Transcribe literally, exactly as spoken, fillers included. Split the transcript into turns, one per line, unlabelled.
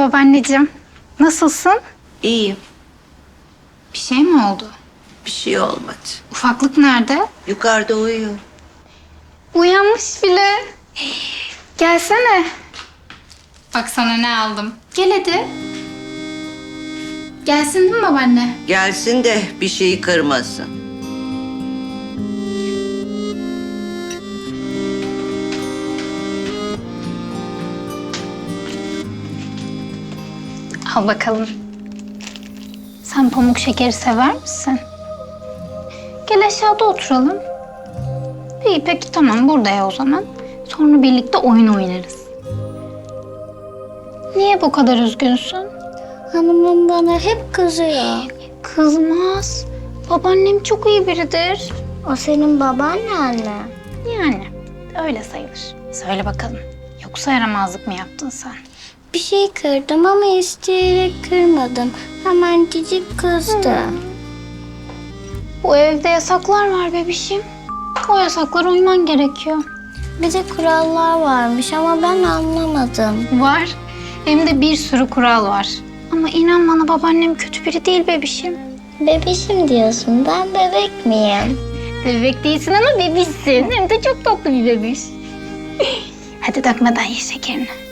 babaanneciğim. Nasılsın?
İyiyim.
Bir şey mi oldu?
Bir şey olmadı.
Ufaklık nerede?
Yukarıda uyuyor.
Uyanmış bile. Gelsene. Bak sana ne aldım. Gel hadi. Gelsin değil mi babaanne?
Gelsin de bir şeyi kırmasın.
Al bakalım. Sen pamuk şekeri sever misin? Gel aşağıda oturalım. İyi peki tamam burada ya o zaman. Sonra birlikte oyun oynarız. Niye bu kadar üzgünsün?
Hanımım bana hep kızıyor.
Kızmaz. Babaannem çok iyi biridir.
O senin babaannen mi?
Yani öyle sayılır. Söyle bakalım. Yoksa yaramazlık mı yaptın sen?
Bir şey kırdım ama isteyerek kırmadım. Hemen cicik kızdı.
Bu evde yasaklar var bebişim. O yasaklara uyman gerekiyor.
Bir de kurallar varmış ama ben anlamadım.
Var. Hem de bir sürü kural var. Ama inan bana babaannem kötü biri değil bebişim.
Bebişim diyorsun, ben bebek miyim?
Bebek değilsin ama bebişsin. Hem de çok tatlı bir bebiş. Hadi dökmeden ye şekerini.